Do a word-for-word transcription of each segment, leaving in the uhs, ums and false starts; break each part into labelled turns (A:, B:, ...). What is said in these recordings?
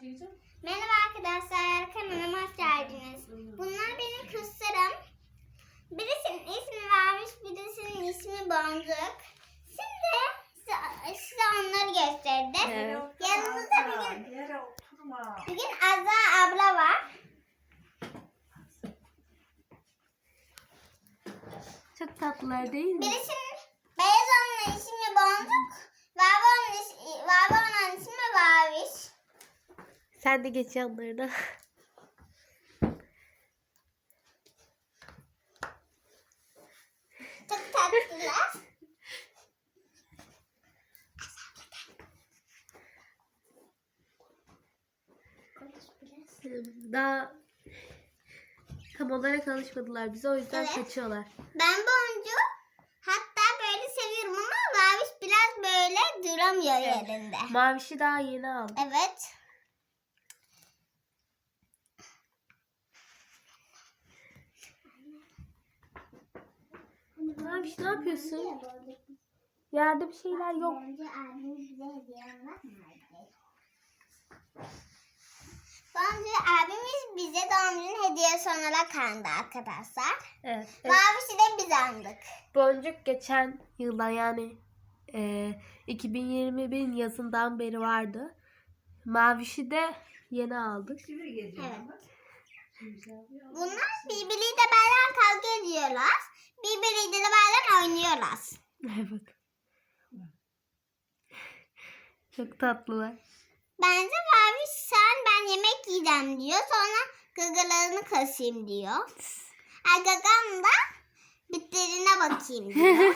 A: Merhaba arkadaşlar, kanalıma hoş geldiniz. Bunlar benim kızlarım. Birisinin ismi Maviş, birisinin ismi Boncuk. Şimdi size, size onları gösterdim.
B: Evet.
A: Yanımızda bugün, bugün Azra abla var.
B: Çok tatlılar değil mi?
A: Birisinin beyaz olanın ismi Boncuk, Vava onun ismi, Vava onun ismi Maviş.
B: Sen de geç yanlarına.
A: Çok tatlılar.
B: Daha tam olarak alışmadılar bize, o yüzden
A: Evet.
B: kaçıyorlar.
A: Ben Boncu hatta böyle seviyorum ama Maviş biraz böyle duramıyor yerinde.
B: Mavişi daha yeni aldım.
A: Evet.
B: Maviş ne yapıyorsun? Yerde bir şeyler yok.
A: Boncu abimiz bize doğum günü hediyesi olarak aldı arkadaşlar.
B: Evet. evet.
A: Maviş'i de biz aldık.
B: Boncuk geçen yılda, yani e, iki bin yirmi bir yazından beri vardı. Mavişi de yeni aldık.
A: Evet. Bunlar birbiriyle beraber kavga ediyorlar. Birbiriyle beraber oynuyorlar.
B: Evet. Çok tatlılar.
A: Bence Maviş sen ben yemek yiyeceğim diyor. Sonra gagalarını kasayım diyor. Ha, gagam da bitlerine bakayım diyor.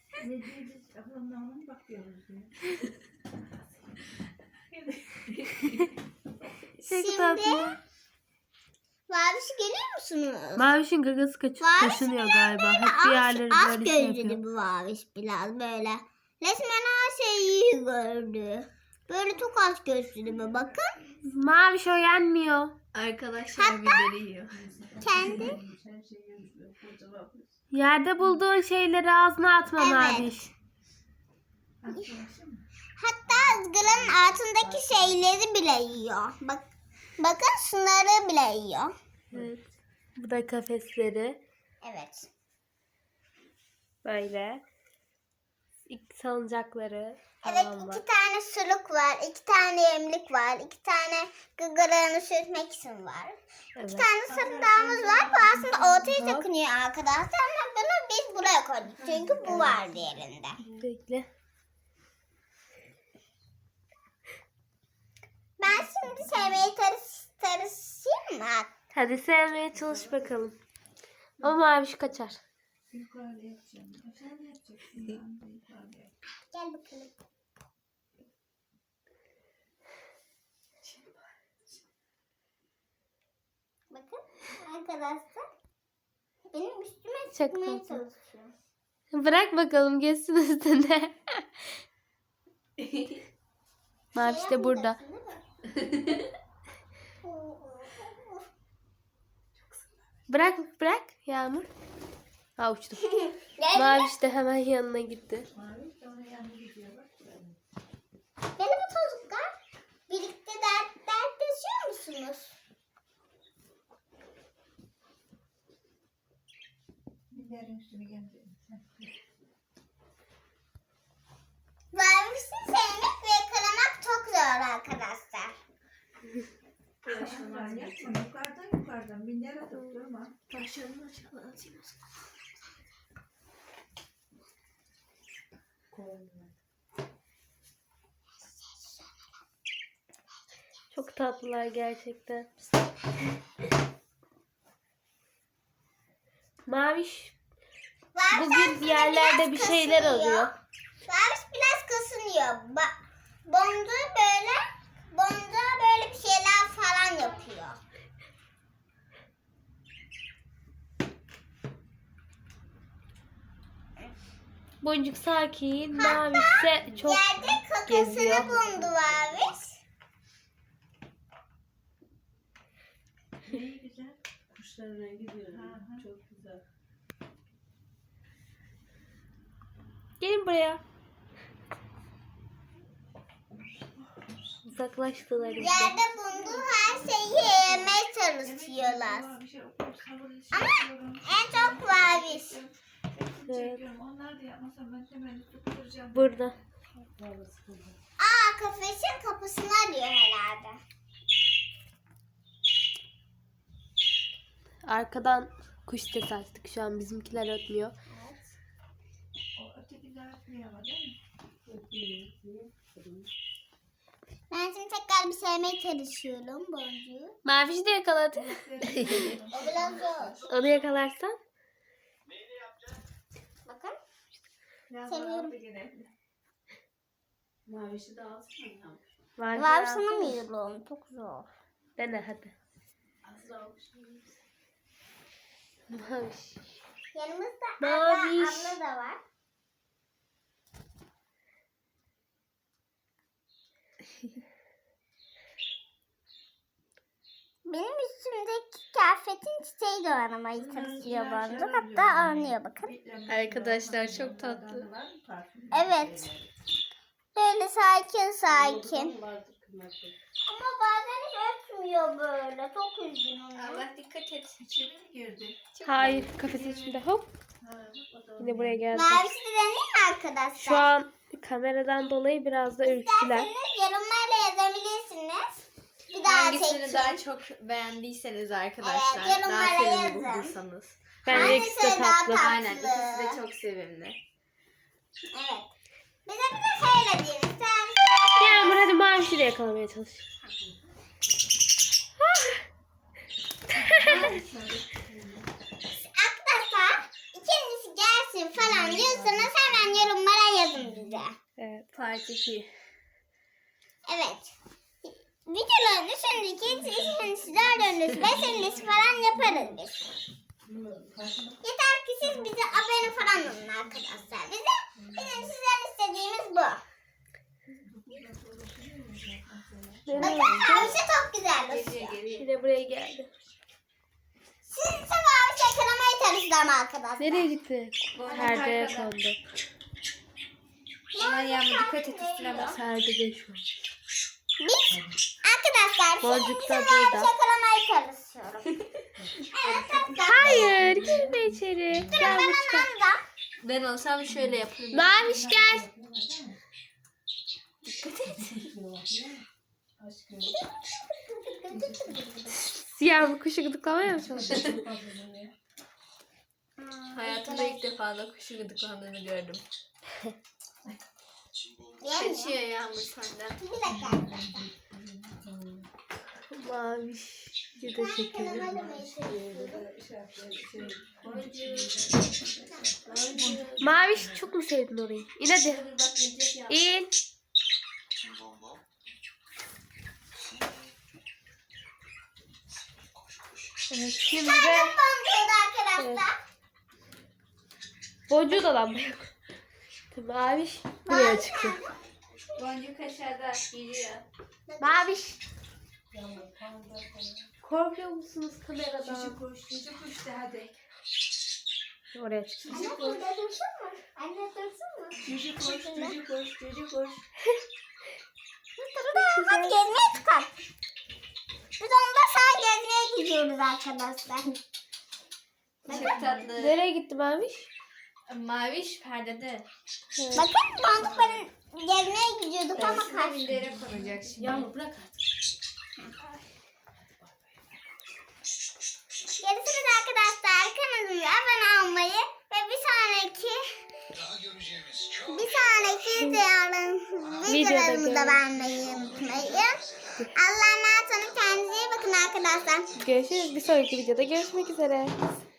B: Çok
A: Şimdi
B: tatlı.
A: Maviş'i görüyor musunuz?
B: Mavişin gagası kaç
A: Maviş
B: kaşınıyor galiba. Hep
A: Az,
B: diğerleri
A: az
B: böyle şey
A: gözlü
B: yapıyor.
A: bu Maviş biraz böyle. Resmen her şeyi gördü. Böyle çok az gözlü mü bakın.
B: Maviş o yenmiyor.
C: Arkadaşlar biberi yiyor.
A: Kendi.
B: Yerde bulduğun şeyleri ağzına atma
A: Evet.
B: Maviş.
A: Hatta ızgaranın altındaki şeyleri bile yiyor. Bak, bakın şunları bile yiyor.
B: Evet. Bu da kafesleri.
A: Evet.
B: Böyle. İlk salıncakları
A: Evet,
B: falan var.
A: iki tane suluk var, iki tane yemlik var, iki tane gıgılarını sürtmek için var.
B: Evet.
A: İki tane sarımdağımız var. Bu aslında ortaya takınıyor arkadaşlar ama bunu biz buraya koyduk. Çünkü bu var diğerinde.
B: Bekle.
A: Ben şimdi sevmeyi tarış, tarışayım mı?
B: Hadi sevmeye çalış bakalım. O Maviş kaçar.
A: Gel bakalım. Bakın arkadaşlar. Benim üstüme
B: Çok
A: çıkmaya
B: tatlı.
A: çalışıyor.
B: Bırak bakalım geçsin üstüne. Maviş de burada. Bırak bırak Yağmur. Ha uçtu. Maviş de hemen yanına gitti.
A: Merhaba çocuklar. Birlikte dert, dertleşiyor musunuz? Mavişi sevmek ve yakalamak çok zor arkadaşlar.
C: Yukarıdan yukarıdan bir yere tutturma.
B: Taşlarını aşağıdan atayım. Çok tatlılar gerçekten. Maviş
A: Maviş
B: bugün
A: aslında
B: yerlerde
A: biraz
B: bir şeyler
A: kasınıyor.
B: arıyor.
A: Maviş biraz kasınıyor. Ba- Boncuğu böyle, boncuğa böyle bir şeyler falan yapıyor.
B: Boncuk sakin, Maviş ise çok
A: Yerde kakasını
B: geziyor.
A: buldu Maviş.
C: Ne güzel. Kuşların rengi diyor. Çok güzel.
B: Gelin buraya. Uzaklaştılar işte.
A: Yerde bunu istiyorlar.
C: Bir şey okuyup sabır
A: Ama
C: istiyorum.
A: en çok Maviş.
B: Evet.
C: Onlar da yapmasam ben hemen tutturacağım.
B: Burada.
A: Aa, kafesin kapısını arıyor herhalde.
B: Arkadan kuş sesi açtık. Şu an bizimkiler ötmüyor.
C: O ötekiler etmiyor ama değil mi?
A: Ben şimdi tekrar bir sevmeye çalışıyorum boncuğu.
B: Maviş de yakaladı.
A: O biraz zor.
B: Onu yakalarsan.
A: Bakın.
C: Biraz
A: Seviyorum.
C: daha bir gidelim. Mavişi de alsana ya.
B: Maviş
A: Var
B: alsana.
A: sana mı yürüyorum? Çok zor.
B: Dene hadi.
C: Az daha olmuş.
B: Maviş.
A: Yanımızda
B: Maviş.
A: abla, abla da var. Benim üstümdeki kıyafetin çiçeği de oynamayı çalışıyor boncuğum. Hatta oynuyor bakın.
B: Arkadaşlar çok tatlı.
A: Evet. Böyle sakin sakin. Ama bazen hiç ötmüyor böyle. Çok üzgünüm.
C: Allah dikkat et. İçeri mi girdi?
B: Hayır, kafesin içinde hop.
C: Ha, o da
B: Yine buraya geldi.
A: Mavisi de deneyim mi arkadaşlar?
B: Şu an kameradan dolayı biraz da ürktüler.
A: İsterseniz yorumlarla yazabilirsiniz. Bir daha
D: Hangisini
A: çekeceğim.
D: daha çok beğendiyseniz arkadaşlar,
A: Evet,
D: daha
A: yorumlara
D: sevimli
A: yazın.
D: bulduysanız.
B: Bence
A: Hangisi
B: ikisi de
A: daha
B: tatlı.
A: tatlı?
D: Aynen, ikisi de çok sevimli.
A: Evet. Bize bir de şöyle diyelim. Sen
B: Yağmur hadi Maviş'i de yakalamaya çalış.
A: arkadaşlar ikincisi gelsin falan diyorsanız hemen yorumlara yazın bize.
B: Evet.
D: Part iki.
A: Evet. Videoların üçüncü, ikincisi, dördüncüsü, beşincisi falan yaparız biz. Yeter ki siz bize abone falan olun arkadaşlar. Bize, bizim sizden istediğimiz bu. Bakın mavisi çok güzel basıyor.
B: Yine buraya geldi.
A: Siz ise mavisi yakalamaya çalışacağım arkadaşlar.
B: Nereye gitti? Perdeye kondu.
D: Aman Yağmur dikkat et üstüne bas.
B: Perdede şu an.
A: Biz arkadaşlar
B: Boncuk
A: şimdi
B: da
A: mavisi
B: burada.
A: yakalamaya çalışıyorum. Evet tatlım.
B: Hayır, girme içeri. Gel
A: Ben
B: bu çıkar.
A: ondan da.
D: Ben olsam şöyle yaparım.
B: Maviş gel. Siyah bu kuşu gıdıklamaya mı çalışıyorsun?
D: Hayatımda ilk defa da kuşu gıdıklandığını gördüm.
A: Yemiyor.
D: Kaçıyor Yağmur senden.
A: Bir dakika.
B: Maviş. Bir de çekelim. Maviş çok mu sevdin orayı? İn hadi. İn. Evet, şimdi de
A: Boncuğu arkadaşlar.
B: boncuğu da lamba yok. Maviş buraya çıktı.
D: Boncuk aşağıda geliyor.
B: Maviş. Korkuyor musunuz kameradan?
C: Cici kuş, cici kuş de hadi.
B: Oraya çıktı.
A: Anne burada dursun mu? Anne dursun mu?
C: Cici kuş, cici kuş, cici kuş.
A: Hadi gezmeye çıkar. Biz onda sağ gezmeye gidiyoruz arkadaşlar.
D: Çok tatlı.
B: Nereye gitti Maviş?
D: Maviş perdede.
A: Bakın Boncuk benim gezmeye gidiyorduk ama
D: Üstüne
A: kaçtı.
D: mindere konacak şimdi.
C: Yağmur bırak artık.
A: Görüşürüz arkadaşlar. Kanalımıza abone olmayı ve bir sonraki bir sonraki videolarım- videolarımı da beğenmeyi unutmayın. Allah'a emanet olun. Kendinize iyi bakın arkadaşlar.
B: Görüşürüz. Bir sonraki videoda görüşmek üzere.